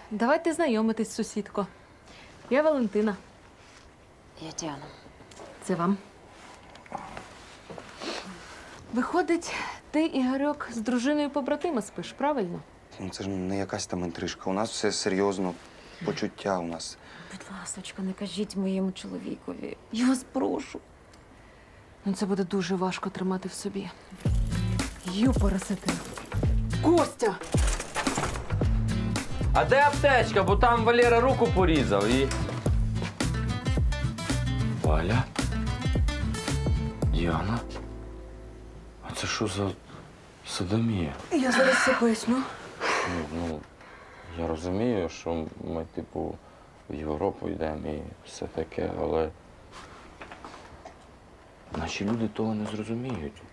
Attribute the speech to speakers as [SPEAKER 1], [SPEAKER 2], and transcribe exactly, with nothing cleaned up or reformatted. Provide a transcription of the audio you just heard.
[SPEAKER 1] Давайте знайомитись, сусідко. Я Валентина.
[SPEAKER 2] Я Діана.
[SPEAKER 1] Це вам. Виходить, ти, Ігорьок, з дружиною побратима спиш, правильно?
[SPEAKER 3] Ну, це ж не якась там інтрижка. У нас все серйозно. Почуття у нас.
[SPEAKER 2] Будь ласочка, не кажіть моєму чоловікові. Я вас прошу.
[SPEAKER 1] Ну, це буде дуже важко тримати в собі. Юпоросити. Костя!
[SPEAKER 4] А де аптечка? Бо там Валера руку порізав і. Валя? Діана? А це що за садомія?
[SPEAKER 1] Я зараз все поясню.
[SPEAKER 4] Ну, ну, я розумію, що ми, типу, в Європу йдемо і все таке, але наші люди того не зрозуміють.